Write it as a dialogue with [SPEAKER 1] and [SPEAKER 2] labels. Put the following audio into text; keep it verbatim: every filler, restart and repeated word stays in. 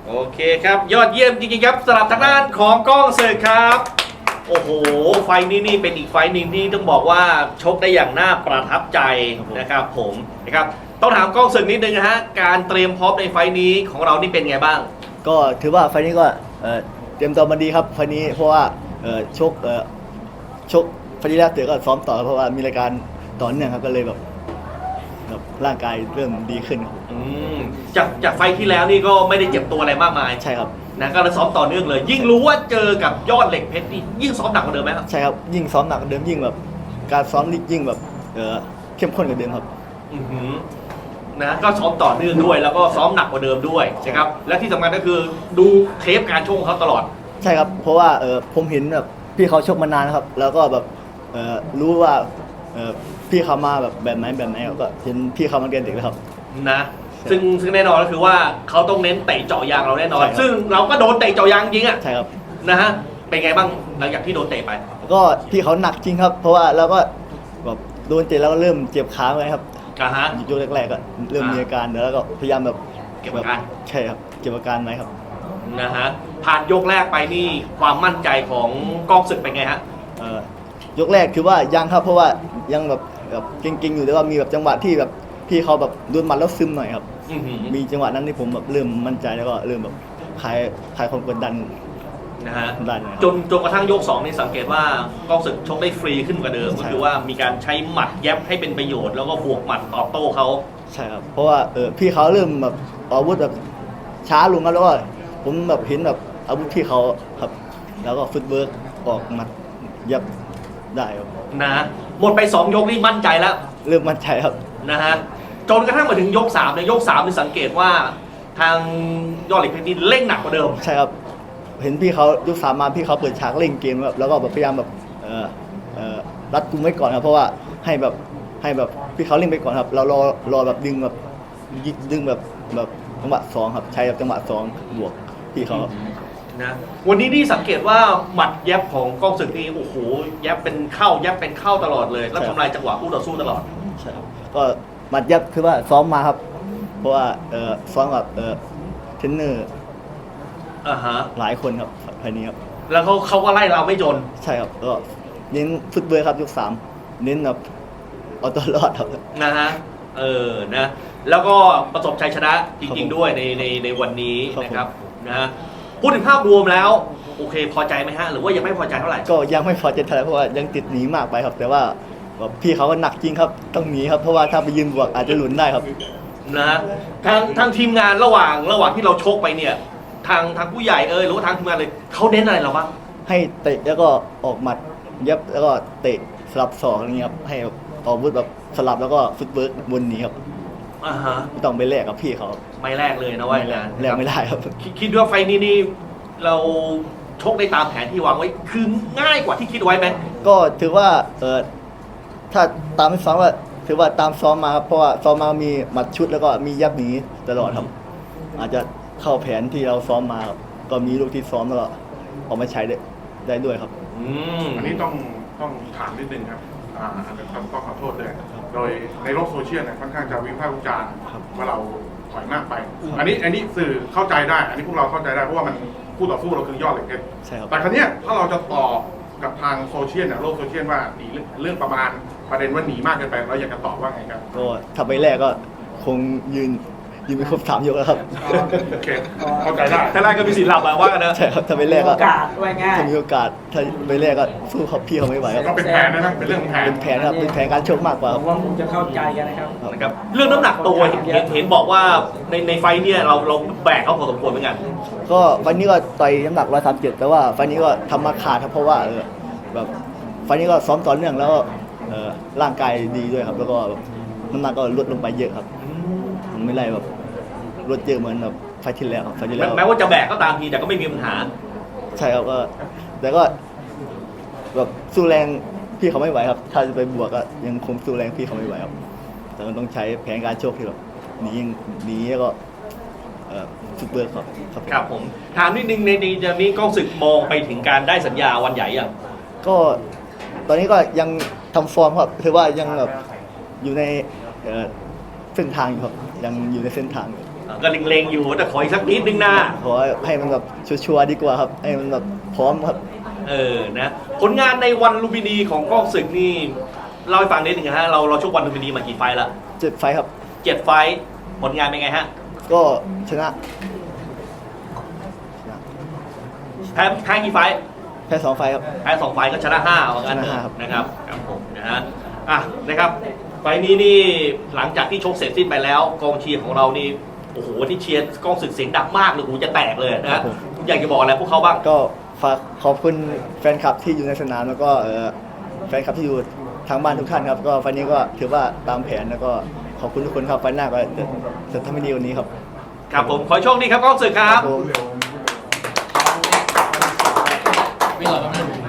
[SPEAKER 1] โอเคครับยอดเยี่ยมจริงๆครับสำหรับทางด้านของก้องศึกครับโอ้โหไฟนี้นี่เป็นอีกไฟหนึ่งที่ต้องบอกว่าชกได้อย่างน่าประทับใจนะครับผมนะครับต้องถามก้องศึกนิดนึงนะฮะการเตรียมพร้อมในไฟนี้ของเรานี่เป็นไงบ้าง
[SPEAKER 2] ก็ถือว่าไฟนี้ก็เตรียมตัวมาดีครับไฟนี้เพราะว่าชกชกไฟนี้แล้วเต๋อก็ซ้อมต่อเพราะว่ามีรายการต่อเนื่องครับก็เลยแบบร่างกายเริ่มดีขึ้นครับ
[SPEAKER 1] จากจากไฟที่แล้วนี่ก็ไม่ได้เจ็บตัวอะไรมากมาย
[SPEAKER 2] ใช่ครับ
[SPEAKER 1] นะก็เลยซ้อมต่อเนื่องเลยยิ่งรู้ว่าเจอกับยอดเหล็กเพชรนี่ยิ่งซ้อมหนักกว่าเดิมไหมครับ
[SPEAKER 2] ใช่ครับยิ่งซ้อมหนักกว่าเดิมยิ่งแบบการซ้อมยิ่งแบบเข้มข้นกว่าเดิมครับ
[SPEAKER 1] นะก็ซ้อมต่อเนื่องด้วยแล้วก็ซ้อมหนักกว่าเดิมด้วยนะครับและที่สำคัญก็คือดูเทปการชกของเขาตลอด
[SPEAKER 2] ใช่ครับเพราะว่าเออผมเห็นแบบพี่เขาชกมานานครับแล้วก็แบบเออรู้ว่าเออพี่เขามาแบบแบบไหนแบบไหนก็เห็นพี่เขามาเรียนเด็กแล้วครับ
[SPEAKER 1] นะซึ่งซึ่งแน่นอนก็คือว่าเขาต้องเน้นเตะเจาะยางเราแน่นอนซึ่งเราก็โดนเตะเจาะยางจริงอ่ะ
[SPEAKER 2] ใช่ครับ
[SPEAKER 1] นะฮะเป็นไงบ้างหลังจากที่โดนเตะไป
[SPEAKER 2] ก็พี่เขาหนักจริงครับเพราะว่าเราก็แบบโดนเตะแล้วก็เริ่มเจ็บขาไว้ครับ
[SPEAKER 1] อ่าฮะ
[SPEAKER 2] ยกแรกๆก็เริ่มมีอาการแล้วก็พยายามแบบ
[SPEAKER 1] เก็บอาการ
[SPEAKER 2] ใช่ครับเก็บอาการไว้ครับ
[SPEAKER 1] นะฮะผ่านยกแรกไปนี่ความมั่นใจของก้องศึกเป็นไงฮะ
[SPEAKER 2] เอ่อยกแรกคือว่ายังครับเพราะว่ายังแบบแบบเก่งๆอยู่แต่ว่ามีแบบจังหวะที่แบบพี่เขาแบบโดนหมัดแล้วซึมหน่อยครับมีจังหวะนั้นที่ผมแบบเริ่มมั่นใจแล้วก็เริ่มแบบคลายคลายความกดดัน
[SPEAKER 1] นะฮะจนจนกระทั่งยกสองนี่สังเกตว่าก้องศึกชกได้ฟรีขึ้นกว่าเดิมก็คือว่ามีการใช้หมัดแยบให้เป็นประโยชน์แล้วก็บวกหมัดตอบโต้เขา
[SPEAKER 2] ใช่ครับเพราะว่าเออพี่เขาเริ่มแบบอาวุธแบบช้าลงแล้วก็ผมแบบเห็นแบบอาวุธพี่เขาครับแล้วก็ฟุตเวิร์กออกหมัดยับได้ครับ
[SPEAKER 1] นะหมดไปสองยกนี่มั่นใจแล้ว
[SPEAKER 2] เริ่มมั่นใจครับ
[SPEAKER 1] นะฮะจนกระทั่งมาถึงยกสามในยกสามนี่สังเกตว่าทางยอดเหล็กเพชรนี่เร่งหนักกว่าเดิม
[SPEAKER 2] ใช่ครับเห็นพี่เขายกสามมาพี่เขาเปิดฉากเร่งเกมแบบแล้วก็แบบพยายามแบบเอ่อเอ่อรัดกุมไว้ก่อนครับเพราะว่าให้แบบให้แบบพี่เขาเร่งไปก่อนครับเรารอรอแบบดึงแบบดึงแบบแบบจังหวะสองครับใช้แบบจังหวะสองบวกพี่เขา
[SPEAKER 1] นะวันนี้นี่สังเกตว่าหมัดแยบของก้องศึกนี่โอ้โหแยบเป็นเข้าแยบเป็นเข้าตลอดเลยแล้วทำลายจังหวะคู่ต่อสู้ตลอด
[SPEAKER 2] ใช่ครับก็หมัดยับคือว่าซ้อมมาครับเพราะว่าเออซ้อมกับเออเทรนเนอร์
[SPEAKER 1] อ่าฮะ
[SPEAKER 2] หลายคนครับภายนี้ครับ
[SPEAKER 1] แล้วเขาเขาก็ไล่เราไม่จน
[SPEAKER 2] ใช่ครับก็เน้นฟุตเวิร์ครับยกสามเน้นแบบเอาตัวรอดครับ
[SPEAKER 1] นะฮะเออนะแล้วก็ประสบชัยชนะจริงๆด้วยในในในวันนี้นะครับนะฮะพูดถึงภาพรวมแล้วโอเคพอใจไหมฮะหรือว่ายังไม่พอใจเท่าไหร่
[SPEAKER 2] ก็ยังไม่พอใจเท่าไหร่เพราะว่ายังติดหนีมากไปครับแต่ว่าพี่เขาก็หนักจริงครับต้องหนีครับเพราะว่าถ้าไปยืนบวกอาจจะหลุนได้ครับ
[SPEAKER 1] นะฮะทางทางทีมงานระหว่างระหว่างที่เราชกไปเนี่ยทางทางผู้ใหญ่เออหรือว่าทางทีมงานเลยเขาเน้นอะไรเราบ้าง
[SPEAKER 2] ให้เตะแล้วก็ออกหมัดยับแล้วก็เตะสลับศอกอะไรเงี้ยครับให้ออกวุธแบบสลับแล้วก็ฟุตเวิร์กบนนี้ครับ
[SPEAKER 1] อ่าฮะ
[SPEAKER 2] ไม่ต้องไปแลกกับพี่เขา
[SPEAKER 1] ไม่แลกเลยนะว่าอย่างนั้น
[SPEAKER 2] แลกไม่ได้ครับ
[SPEAKER 1] คิดว่าไฟนี้นี่เราชกได้ตามแผนที่วางไว้คือง่ายกว่าที่คิดไว้ไหม
[SPEAKER 2] ก็ถือว่าเออถ้าตามที่ซ้อมว่าถือว่าตามซ้อมมาครับเพราะว่าซ้อมมามีหมัดชุดแล้วก็มียับหนีตลอดครับอาจจะเข้าแผนที่เราซ้อมมาครับก็มีลูกที่ซ้อมแล้วก็ออกมาใช้ได้ได้ด้วยครับ
[SPEAKER 3] อันนี้ต้องต้องถามนิดนึงครับอ่าต้องขอโทษด้วยโดยในโลกโซเชียลเนี่ยค่อนข้างจะวิพากษ์วิจารณ์ว่าเราถอยมากไปอันนี้อันนี้สื่อเข้าใจได้อันนี้พวกเราเข้าใจได้เพราะว่ามันคู่ต่อสู้เราคือยอดเหล็กเพชรแต่ครั้งนี้ถ้าเราจะต่อกับทางโซเชียลเนี่ยโลกโซเชียลว่าหนีเรื่องประมาณประเด็นว่าหนีมากเกินไปเราอยากจะตอบว่าไงครับ
[SPEAKER 2] ก็ถ้าไปแรกก็คงยืนยืนไปครบสามยกแล้วครับ
[SPEAKER 3] โอเคเข้าใจได้
[SPEAKER 1] ถ้าแรกก็มีสิทธิ์หลับมาว่ากันนะ
[SPEAKER 2] ใช่ครับถ้าไปแรกก็
[SPEAKER 4] โอกาสไว้ง่าย
[SPEAKER 2] ถ้ามีโอกาสถ้าไปแรกก็สู้เขาพี่เขาไม่ไหว
[SPEAKER 3] ก็เป็นแผนนะเป็นเรื่องแผน
[SPEAKER 2] เป็นแผนครับเป็นแผนการชกมากกว่า
[SPEAKER 4] ว่าคงจะเข้าใจกันนะครับ
[SPEAKER 1] นะครับเรื่องน้ำหนักตัวเห็นเห็นบอกว่าในในไฟเนี่ยเราเราแบกเขาพอสมควรเหมือนกัน
[SPEAKER 2] ก็ไฟนี้ก็ต่อยน้ำหนักร้อยสามสิบเจ็ดแต่ว่าไฟนี้ก็ทำมาขาดครับเพราะว่าเออแบบไฟนี้ก็ซ้อมต่อเนื่องแล้วเออร่างกายดีด้วยครับแล้วก็น้ำหนักก็ลดลงไปเยอะครับมันไม่ไรแบบลดเยอะเหมือนแบบไฟที่แล้วไฟที่แล้ว
[SPEAKER 1] แม้ว่าจะแบกก็ตามทีแต่ก็ไม่มีปัญหา
[SPEAKER 2] ใช่ครับก็แต่ก็แบบสู้แรงพี่เขาไม่ไหวครับถ้าจะไปบวกก็ยังคงสู้แรงพี่เขาไม่ไหวครับแต่มันต้องใช้แผนการโชคที่แบบหนีหนีแล้วก็ฟุตเบิร์กครับ
[SPEAKER 1] ครับผมถามนิดนึงในนี้จะมีก้องศึกมองไปถึงการได้สัญญาวันใหญ่ยัง
[SPEAKER 2] ก็ตอนนี้ก็ยังทำฟอร์มครับถือว่ายังแบบอยู่ในเส้นทางอยู่ครับยังอยู่ในเส้นทางอยู่
[SPEAKER 1] ก็เล็งๆอยู่แต่ขออีกสักนิดนึงนะ
[SPEAKER 2] ขอให้มันแบบชัวร์ๆดีกว่าครับให้มันแบบพร้อมครับ
[SPEAKER 1] เออนะผลงานในวันลุมพินีของกล้องศึกนี่เล่าให้ฟังนิดนึงฮะเราเราชกวันลุมพินีมากี่ไฟล์ละ
[SPEAKER 2] เจ็ดไฟท์ครับ
[SPEAKER 1] เจ็ดไฟล์ผลงานเป็นไงฮะ
[SPEAKER 2] ก็ชนะชนะ
[SPEAKER 1] แพ้แพ้กี่ไฟล์
[SPEAKER 2] แพ้สองไฟท์ครับ
[SPEAKER 1] แพ้สองไฟล์ก็ชนะห้าว่างั้นเถ
[SPEAKER 2] ชนะห้า
[SPEAKER 1] อะ
[SPEAKER 2] ครับ
[SPEAKER 1] นะครับครับผมนะฮะอ่ะนะครับไฟล์นี้นี่หลังจากที่ชกเสร็จสิ้นไปแล้วกองเชียร์ของเรานี่โอ้โหที่เชียร์กล้องศึกเสียงดังมากเลยหูจะแตกเลยนะฮะคุณอยากจะบอกอะไรพวกเขาบ้าง
[SPEAKER 2] ก็ฝากขอบคุณแฟนคลับที่อยู่ในสนามแล้วก็เอ่อแฟนคลับที่อยู่ทางบ้านทุกท่านครับก็ไฟล์นี้ก็ถือว่าตามแผนแล้วก็ขอบคุณทุกคนครับไฟล์หน้าก็จะจะทำให้ดีกวันนี้ครับ
[SPEAKER 1] ครับผมขอให้โชคดีครับกล้องศึกครับ
[SPEAKER 2] ผม
[SPEAKER 5] ไม่หล่อแป๊บนึง